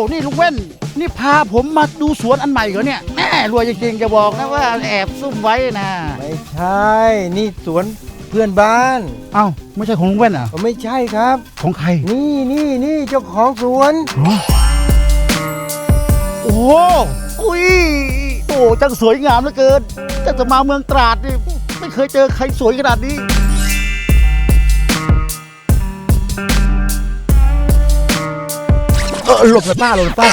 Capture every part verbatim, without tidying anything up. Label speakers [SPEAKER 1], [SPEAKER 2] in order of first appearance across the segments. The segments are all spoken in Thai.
[SPEAKER 1] นี่ลุงแว่นนี่พาผมมาดูสวนอันใหม่เหรอเนี่ยแม่รวยจริงๆจะบอกนะว่าแอบซุ่มไว้นะ
[SPEAKER 2] ไม่ใช่นี่สวนเพื่อนบ้าน
[SPEAKER 1] เอ้าไม่ใช่ของลุงแว่นอ่ะ
[SPEAKER 2] ไม่ใช่ครับ
[SPEAKER 1] ของใคร
[SPEAKER 2] นี่นี่นี่เจ้าของสวน
[SPEAKER 1] โอ้อุ้ยโอ้จังสวยงามเหลือเกินจะจะมาเมืองตราดนี่ไม่เคยเจอใครสวยขนาดนี้เออหลบเลยป้าหลบเลยป้า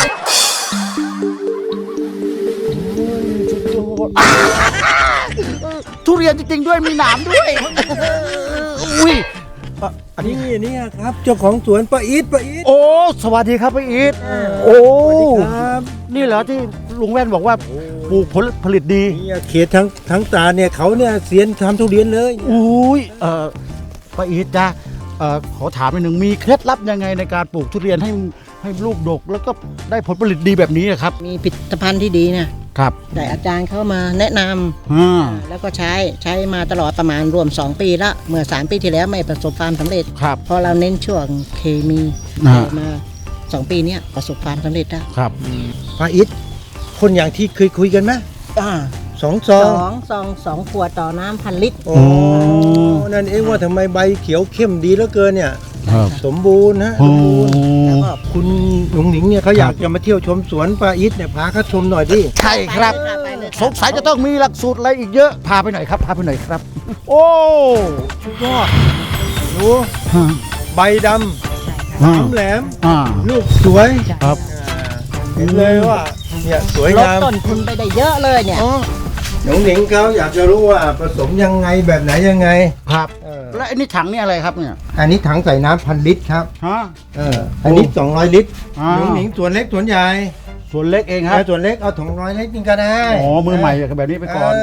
[SPEAKER 1] ทุเรียนจริงๆด้วยมีหนามด้วยอุ้ย
[SPEAKER 2] อันนี้นี่ครับเจ้าของสวนป้าอีทป้าอีท
[SPEAKER 1] โอ้สวัสดีครับป้าอีทโอ้ครับนี่เหรอที่ลุงแว่นบอกว่าปลูกผลผลิตดี
[SPEAKER 2] นี่เขตทั้งทั้งตาเนี่ยเขาเนี่ยเซียนทำทุเรียนเลย
[SPEAKER 1] อุ้ยเออป้าอีทจ้ะเออขอถามหนึ่งมีเคล็ดลับยังไงในการปลูกทุเรียนให้ให้ลูกดกแล้วก็ได้ผลผลิตดีแบบนี้ครับ
[SPEAKER 3] มีผลิตภัณฑ์ที่ดีนะครับแต่อาจารย์เข้ามาแนะนำแล้วก็ใช้ใช้มาตลอดประมาณรวมสองปีละเมื่อสามปีที่แล้วไม่ประสบความสำเร็จ
[SPEAKER 1] ครับ
[SPEAKER 3] พอเราเน้นช่วงเคมีมาสองปีนี้ประสบความสำเร็จแล้ว
[SPEAKER 1] ครับ
[SPEAKER 2] ป้าอีทคนอย่างที่เคยคุยกันไหม
[SPEAKER 3] อ่า
[SPEAKER 2] สองซอง
[SPEAKER 3] สองซองสองขวดต่อน้ำพันลิตร
[SPEAKER 2] โอ้นั่นเองว่าทำไมใบเขียวเข้มดีเหลือเกินเนี่ยสมบูรณ์นะ
[SPEAKER 1] สมบูรณ์
[SPEAKER 2] แล้วก็คุณหนุ่งหนิงเนี่ยเขาอยากจะมาเที่ยวชมสวนป้าอีทเนี่ยพาเขาชมหน่อยดิ
[SPEAKER 1] ใช่ครับสงสัยจะต้องมีหลักสูตรอะไรอีกเยอะพาไปหน่อยครับพาไปหน่อยครับโอ้
[SPEAKER 2] สุดยอดดูใบดำน้ำแหลมลูกสวย
[SPEAKER 1] ครับ
[SPEAKER 2] เห็นเลยว่าเนี่ยสวยงาม
[SPEAKER 3] ลดต้นทุนไปได้เยอะเลยเนี่ย
[SPEAKER 2] หนุ่งหนิงเขาอยากจะรู้ว่าผสมยังไงแบบไหนยังไง
[SPEAKER 1] ครับแล้วอันนี้ถังนี่อะไรครับเนี่ย
[SPEAKER 2] อันนี้ถังใส่น้ำพันลิตรครับ
[SPEAKER 1] ฮะ
[SPEAKER 2] เอออันนี้สองร้อยลิตรหนุ่งหนิงส่วนเล็กส่วนใหญ่
[SPEAKER 1] ส่วนเล็กเองครับ
[SPEAKER 2] ส่วนเล็กเอาถุงร้อยลิตรนี่ก็ได้
[SPEAKER 1] อ๋อมือใหม่แบบนี้ไปก่อน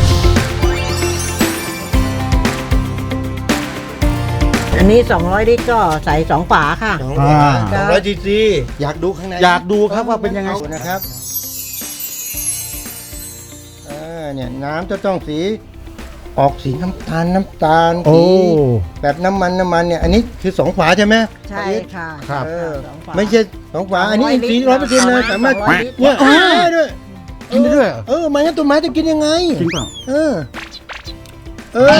[SPEAKER 3] อันนี้สองร้อยลิตรก็ใส่สองฝาค่ะ
[SPEAKER 2] สองร้อยซีซีอยากดูข้างใน
[SPEAKER 1] อยากดูครับว่าเป็นยังไง
[SPEAKER 2] นะครับเนี่ยน้ำจะต้องสีออกสีน้ำตาลน้ำตาลสีแบบน้ำมันน้ำมันเนี่ยอันนี้คือสองฝาใช่ไหม
[SPEAKER 3] ใช่ค่ะ
[SPEAKER 1] ครับ
[SPEAKER 2] ไม่ใช่สองฝาอันนี้สีร้อยเปอร์เซ็นต์เลยสามารถเนี่ยได้ด้วย
[SPEAKER 1] กินได้ด้วย
[SPEAKER 2] เออมันงั้นต้นไม้จะกินยังไง
[SPEAKER 1] จริงเปล่า
[SPEAKER 2] เออเออ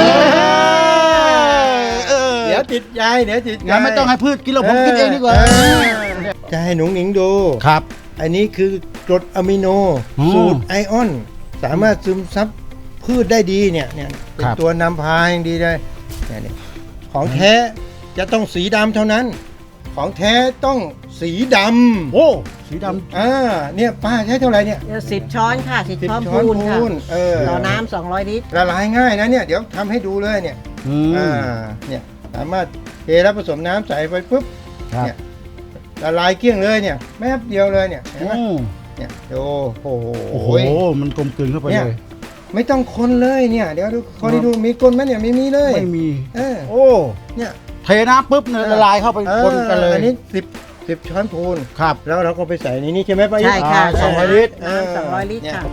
[SPEAKER 2] เดี๋ยวติดใจเดี๋ยวติดใจ
[SPEAKER 1] ไม่ต้องให้พืชกินแล้วผมกินเองดีกว่า
[SPEAKER 2] จะให้หนุ่งหนิงดู
[SPEAKER 1] ครับ
[SPEAKER 2] อันนี้คือกรดอะมิโนสูตรไอออนสามารถซึมซับพืชได้ดีเนี่ยเนี่ยเป็นตัวนำพาอย่างดีเลยเนี่ยของแท้จะต้องสีดำเท่านั้นของแท้ต้องสีดำ
[SPEAKER 1] โอ้สีดำ
[SPEAKER 2] อ่าเนี่ยป้าใช้เท่าไหร่เนี่ย
[SPEAKER 3] สิบช้อนค่ะสิบช้อนพูนค่ะต่อน้ำสองร้อยลิตร
[SPEAKER 2] ละลายง่ายนะเนี่ยเดี๋ยวทำให้ดูเลยเนี่ยอ่าเนี่ยสามารถเทแล้วผสมน้ำใส่ไปปุ๊บเนี่ยละลายเกลี้ยงเลยเนี่ยแป๊บเดียวเลยเนี่ยเห็นไหมเนี่ยโอ้โห
[SPEAKER 1] โอ้โหมันกลมกลืนเข้าไปเลย
[SPEAKER 2] ไม่ต้องคนเลยเนี่ยเดี๋ยวดูคนที่ดูมีก้นไหมเนี่ยไม่มีเลย
[SPEAKER 1] ไม่มี
[SPEAKER 2] เออ
[SPEAKER 1] โอ้
[SPEAKER 2] เนี่ย
[SPEAKER 1] เทน้ำปุ๊บเนี่ยละลายเข้าไปคนกันเลย
[SPEAKER 2] อันนี้สิบสิบช้อนพูน
[SPEAKER 1] ครับ
[SPEAKER 2] แล้วเราก็ไปใส่ในนี้ใช่ไหมป้า
[SPEAKER 3] ใช่ค่ะ
[SPEAKER 2] สองร้อยลิตร
[SPEAKER 3] น้ำสองร้อยลิตรค่ะ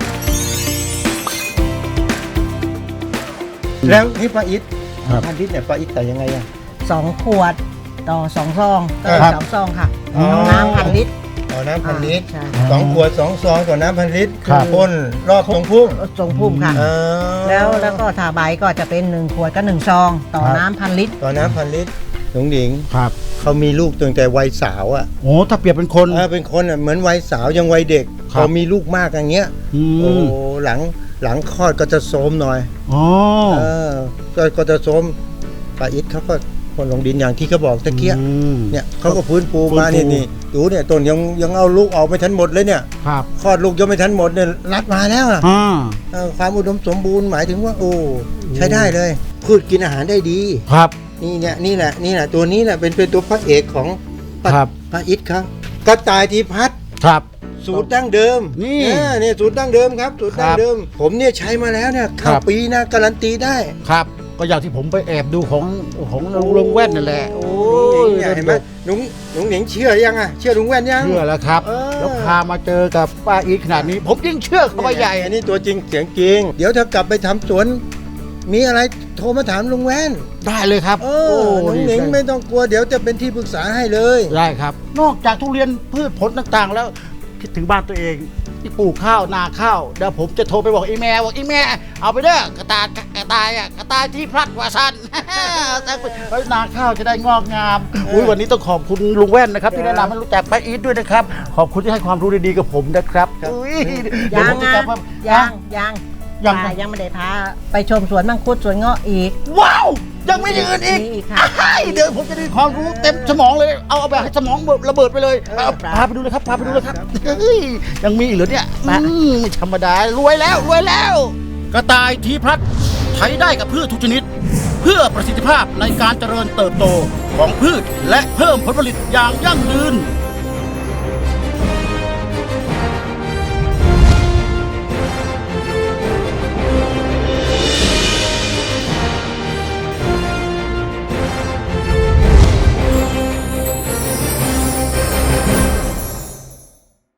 [SPEAKER 2] แล้วนี่ป้าอิทพันลิตรเนี่ยป้าอิทใส่ยังไงอ่ะ
[SPEAKER 3] สองขวดต่อสองซองต่อสองซองค่ะน้ำพันลิตร
[SPEAKER 2] ต่อน้ำพันลิตรสองขวดสองซองต่อน้ำพันลิตรพ่นรอบตรงพุ่ม
[SPEAKER 3] ตรงพุ่มค่ะแล้วแล้วก็ทาใบก็จะเป็นหนึ่งขวดก็หนึ่งซองต่อน้ำพันลิตร
[SPEAKER 2] ต่อน้ำพันลิตรหนุ่งหนิง
[SPEAKER 1] ครับ
[SPEAKER 2] เขามีลูกตั้งแต่วัยสาวอ่ะ
[SPEAKER 1] โอ้ถ้าเปรียบเป็นคน
[SPEAKER 2] เออเป็นคนอ่ะเหมือนวัยสาวยังวัยเด็กพอมีลูกมากอย่างเงี้ยโอ้หลังหลังคลอดก็จะโทรมหน่อย
[SPEAKER 1] อ๋อ
[SPEAKER 2] เออก็ก็จะโทรมป้าอิทเขาก็คนลงดินอย่างที่เขาบอกตะเกียเนี่ยเขาก็พื้นปูมานี่นี่ดูเนี่ยต้นยังยังเอาลูกออกไม่ทันหมดเลยเนี่ย
[SPEAKER 1] ครับ
[SPEAKER 2] คลอดลูกยังไม่ทันหมดเนี่ยรัดมาแล้วอ่ะความอุดมสมบูรณ์หมายถึงว่าโอ้ใช้ได้เลยพืชกินอาหารได้ดี
[SPEAKER 1] ครับ
[SPEAKER 2] นี่เนี่ยนี่แหละนี่แหละตัวนี้แหละเป็นเป็นตัวพระเอกของป้าอิทครับกระต่ายทีพัด
[SPEAKER 1] ครับ
[SPEAKER 2] สูตรดั้งเดิม
[SPEAKER 1] นี่
[SPEAKER 2] เนี่ยสูตรดั้งเดิมครับสูตรดั้งเดิมผมเนี่ยใช้มาแล้วเนี่ยข้าวปีนะการันตีได้
[SPEAKER 1] ครับก็อย่างที่ผมไปแอบดูของของลุงแว่นนั่นแหละโอ้
[SPEAKER 2] ยเห็นไหมลุงลุงหนิงเชื่อยังอ่ะเชื่อลุงแว่นยัง
[SPEAKER 1] เชื่อแล้วครับแล้วพามาเจอกับป้าอีทขนาดนี้ผมยิ่งเชื่อเขาไปใหญ่
[SPEAKER 2] อันนี้ตัวจริงเสียงจริงเดี๋ยวถ้ากลับไปทำสวนมีอะไรโทรมาถามลุงแว่น
[SPEAKER 1] ได้เลยครับ
[SPEAKER 2] เออลุงหนิงไม่ต้องกลัวเดี๋ยวจะเป็นที่ปรึกษาให้เลย
[SPEAKER 1] ได้ครับ นอกจากทุเรียนพืชผลต่างๆ แล้วคิดถึงบ้านตัวเองที่ปลูกข้าวนาข้าวเดี๋ยวผมจะโทรไปบอกอีแม่บอกอีแม่เอาไปเด้อกระตายกระตายอ่ะกระตายที่พลัดวาซัน ไว้นาข้าวจะได้งอกงามอุ้ยวันนี้ต้องขอบคุณลุงแว่นนะครับที่แนะนำให้รู้จักป้าอีทด้วยนะครับขอบคุณที่ให้ความรู้ดีๆกับผมนะครับอุ้ยเดี๋ว
[SPEAKER 3] ยั
[SPEAKER 1] ผ
[SPEAKER 3] ง
[SPEAKER 1] มจะ
[SPEAKER 3] อ่ะ
[SPEAKER 1] กลับมา
[SPEAKER 3] ยังยัง
[SPEAKER 1] ยัง
[SPEAKER 3] ป้ายังไม่ได้พาไปชมสวนมังคุดสวนเงาะอีก
[SPEAKER 1] ว้าวยังไม่ยืนอีก
[SPEAKER 3] มีอีกค่ะ
[SPEAKER 1] อ้ายเดี๋ยวผมจะได้ความรู้เต็มสมองเลยเอาเอาแบบให้สมองระเบิดไปเลยเอาพาไปดูเลยครับพาไปดูเลยครับเฮ้ยยังมีอีกเหรอเนี่ยอืมไม่ธรรมดารวยแล้วรวยแล้ว กระต่ายทีพลัดใช้ได้กับพืชทุกชนิด เพื่อประสิทธิภาพในการเจริญเติบโตของพืชและเพิ่มผลผลิตอย่างยั่งยืน